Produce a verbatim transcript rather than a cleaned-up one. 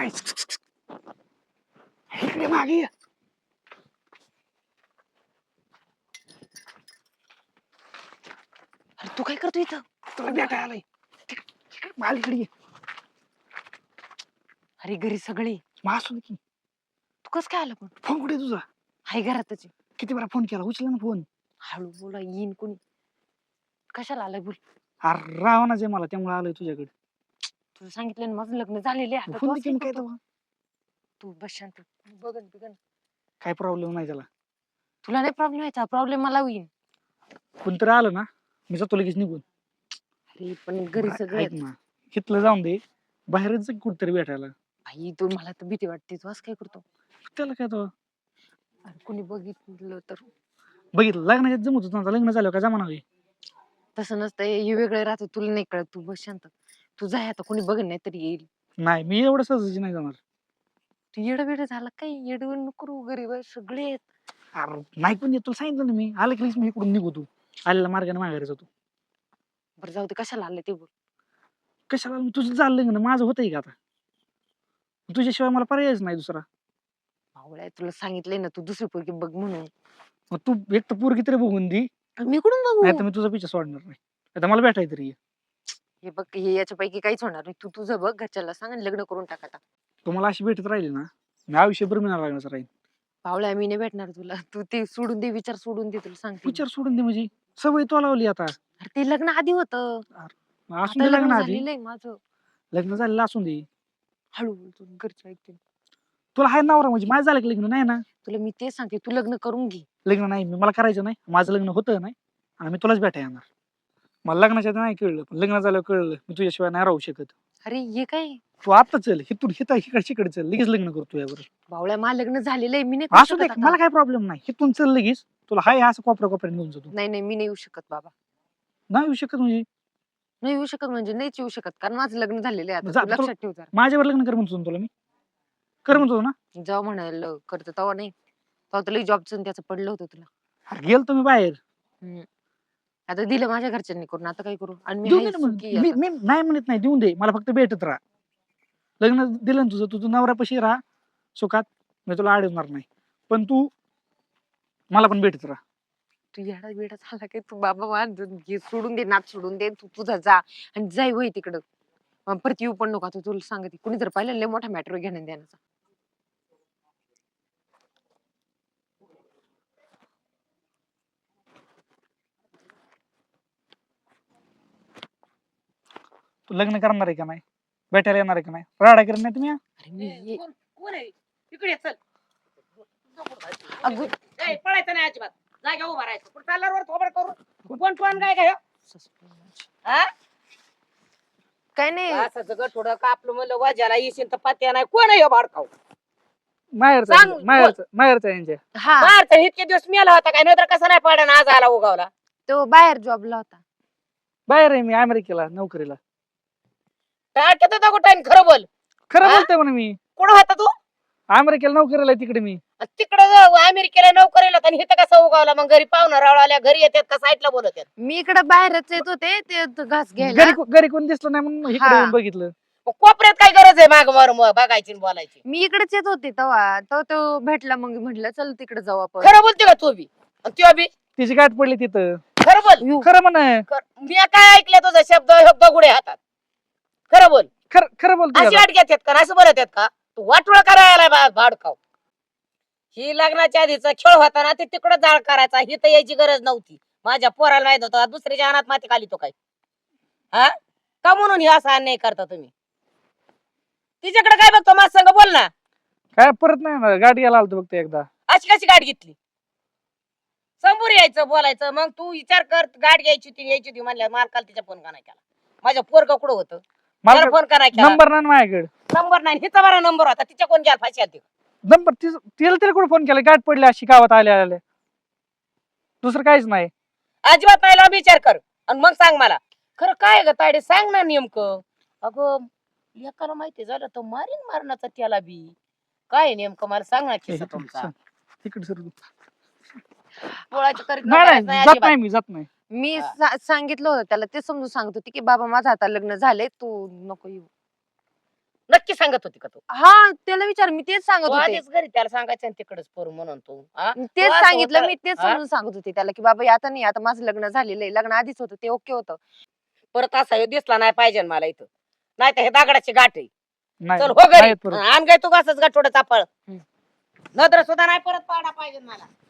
काय इकडे मागे ये. अरे तू काय करतो इथं? तुला भेटायला आलाय. मालिकडे ये. अरे घरी सगळी. मासून की तू कस काय आला पण? फोन कुठे तुझा? हाय घरातच आहे. किती वेळा फोन केला, उचला ना फोन. हळू बोला, येईन कोणी. कशाला आलाय बोल. अरे रावणाच आहे मला, त्यामुळे आलोय तुझ्याकडे. तुला सांगितलं ना माझं लग्न झालेलं आहे. आता फोन तू दे असं की मग काय करतो? तेव्हा? तू बस शांत. बघन बिगन. काय प्रॉब्लेम नाही त्याला. तुला नाही प्रॉब्लेम व्हायचा, प्रॉब्लेम मला होईल. कोणतरी आलं ना मी जातो लगेच निघून. अरे पण घरी सगळे ऐक ना, इथलं जाऊन दे, बाहेरच कुठतरी भेटायला. भाई तू, मला तर भीती वाटते. तू असं काय करतो? त्याला काय तो अरे कोणी बघितलं तर? बघितलं लग्नाच्या जमत होतं, लग्न झालं का जमाना होई. तसं नसतं, हे वेगळं राहतं. तुला नाही कळत. तू बस शांत. तू जाय आता, कोणी बघन नाही तरी येईल. नाही मी एवढं सहजाची नाही जाणार. तू येडं बिडं झाला काय? येडवण नको करू. गरीब आहे सगळे आहेत. अरे नाही पण येत, तुला सांगितलं ना मी आलं की लगेच मी इकडून निघू. तू आलेल्या मार्गाने माघारी जातो. बरं जाऊ दे, कशाला आले ते बोल. कशाला तुझं झालं लग्न, माझं होतंय का आता? तुझ्याशिवाय मला पर्यायच नाही दुसरा. भावड्या, तुला सांगितलंय ना तू दुसरी पोरगी बघ म्हणून. मग तू एक तर पोरगी तरी बघून दे, मी कुठून नाही तर बघू? मी तुझा पिछा सोडणार नाही. आता मला भेटाय तरी ये. हे बघ, हे याच्यापैकी काहीच होणार नाही. तू तुझं बघ, घरच्याला सांग आणि लग्न करून टाक आता. तुम्हाला अशी भेटत राहिली ना, मी आयुष्यभर मिळणार लागणार राहील. भावड्या, मी नाही भेटणार तुला. तू ते सोडून दे, विचार सोडून दे. तुला सांगते मी. विचार सोडून दे म्हणजे सवय तो लावली आता. अरे ते लग्न आधी होतं. असून आता दे लग्न लग्न आधी, झालेलं आहे माझं. लग्न झालेलं असून दे. हळू बोल, तू घरचं ऐकते. तुला हाय नवरा म्हणजे माझं झालं की लग्न नाही ना? तुला मी ते सांगते, तू लग्न करून घे. लग्न नाही मी मला करायचं नाही, माझं लग्न होतं नाही आणि मी तुलाच भेटाय येणार. मला लग्नाच्या आधी नाही कळलं, पण लग्न झाल्यावर कळलं मी तुझ्याशिवाय नाही राहू शकत. अरे हे काय? तू आता चल हिथून हिता इकडे चल, लगेच लग्न करतो यावर. भावड्या, मला लग्न झालेलं आहे. मी नाही करू असू दे, शकत आता. मला काय प्रॉब्लेम नाही. हिथून चल लगेच, तुला हाय असं कोपऱ्या कोपऱ्याने घेऊन जातो. नाही नाही, मी नाही येऊ शकत बाबा. नाही येऊ शकत म्हणजे? नाही येऊ शकत म्हणजे नाहीच येऊ शकत, कारण माझं लग्न झालेलं आहे आता. जा- तू लक्षात ठेव जरा. माझ्यावर लग्न कर म्हणतो ना तुला मी. कर म्हणतो ना. जेव्हा म्हणायला करतो तेव्हा नाही. तेव्हा तुला जॉबचं त्याचं पडलं होतं तुला. अरे गेल तुम्ही बाहेर. हम्म. आता दिलं माझ्या घरच्यांनी करून, आता काय करू? आणि मी देऊन आहे दे ना मग. सुखी मी आता. मी नाही म्हणत नाही, देऊन दे मला, फक्त भेटत राहा. लग्न दिलं ना तुझं, तुझं नवऱ्यापाशी राहा सुखात, मी तुला अडवणार नाही, पण तू मला पण भेटत राहा. तू येडा बिडा झाला काय? तू बाबा मान हे सोडून दे, नाच सोडून दे. तू तुझा जा आणि जाय वय तिकडं. मग परत येऊ पण नको. आता तुला सांगते, कुणी जर पाहिलं लय मोठा मॅटर घेणं देण्याचा. तू लग्न करणार आहे का नाही, भेटायला येणार आहे का नाही, राडा करत नाही तुम्ही? अरे मी ये- कोण आहे इकडे ये, चल. अगं ए, पळायचं नाही अजिबात. जागा उभा राहायचं. कुठं चालला वर थोबड करून? कोण कोण काय काय हा? काय नाही. असं जगत थोडं कापलं म्हणलं वाजाला येशील तर पत्या नाही. कोण आहे ह्यो भाडकाव? माहेरचा सांग, माहेरचा माहेरचा यांच्या. हा, बाहेरचा इतके दिवस मेला होता काय, नंतर कसा नाही पाडा आज आला उगावला. तो बाहेर जॉबला होता. बाहेर आहे मी अमेरिकेला नोकरीला. टाळक्यात होता कुठं खरं बोल. खरं हा? बोलतोय म्हणा मी. कुठं होता तू? अमेरिकेला नोकरीला आहे तिकडे मी. तिकडे अमेरिकेला नोकरीला आणि इथं कसा उगावला? मग घरी पाहुणा रावळाल्या घरी येतात का साईडला बोलत आहेत? मी इकडे बाहेरच येत होते ते त- घास घ्यायला. घरी को- घरी कोण दिसलं नाही म्हणून इकडे हा. येऊन बघितलं. मग कोपऱ्यात काय गरज आहे माग मार बघायची आणि बोलायची? मी इकडेच येत होते तेव्हा तो तो भेटला, मग म्हटलं चल तिकडे जाऊ आपण. खरं बोलते का तू बी आणि त्यो बी? तिची गाठ पडली तिथं. खरं बोल. यू. खरं म्हण. खरं- मी काय ऐकलं तुझा शब्द शब्द गुढे हातात. खरं बोल. खरं खरं बोलतोय अशी आता. वाट घेतात का, असं बोलत आहेत का? तू वाटोळ करायला भाडकाव. ही लग्नाच्या आधीचा खेळ होता ना, ते तिकडं जाळ करायचा. ही तर यायची गरज नव्हती. माझ्या पोराला माहित होतं दुसऱ्याच्या अनाथ माती खाली तो काय. हा का म्हणून हे असा अन्याय करता तुम्ही? तिच्याकडे काय बघतो? माझ संग बोल ना. काय परत नाही ना, गाठ घ्यायला आलतो फक्त एकदा. अशी कशी गाठ घेतली? समोर यायचं बोलायचं. मग तू विचार कर, गाठ घ्यायची होती यायची होती म्हणल्या मालकाला तिच्या फोन का नाही केला? माझ्या पोरगा कुठं होतं? मला फोन का नाही केला? नंबर नाही माझ्याकडे. नंबर नाही. हिचा बरा नंबर होता. तिच्या कोण घ्यायला फाशी आली? नंबर तिला तिला कुठे फोन केला, गाठ पडली अशी गावात आल्या आल्या, दुसरं काहीच नाही. अजिबात नाही. लांब विचार कर आणि मग सांग मला. खरं काय ग तायडे, सांग ना नेमकं. अगं एकाला माहिती झालं तर मारीन मारण्याचा त्याला बी. काय आहे नेमकं मला सांग ना किस्सा तुमचा. तिकडे सर. पोळाची करीत नाही नाही नाही जात अजिबात. नाही मी जात नाही. मी हा. सा- सांगितलं होतं त्याला, ते समजून सांगत होती की बाबा माझं आता लग्न झालंय, तू नको येऊ. नक्की सांगत होती का तू हा त्याला विचार मी तेच सांगत तू होते आधीच घरी त्याला सांगायचं आणि तिकडेच करू म्हणून तू हा? तेच तू असं सांगितलं होतं- मी तेच हा? समजून सांगत होते त्याला की बाबा आता नाही आता माझं लग्न झालेलं आहे लग्न आधीच होतं ते ओके होतं परत असा ह्यो दिसला नाही पाहिजे मला इथं नाही तर हे दागडाची गाठ आहे नाही चल हो घरी नाही परत. आण गाय तू कसंच गाठोडं चापळ हम्म. नत्र सुद्धा नाही परत पाडा पाहिजे मला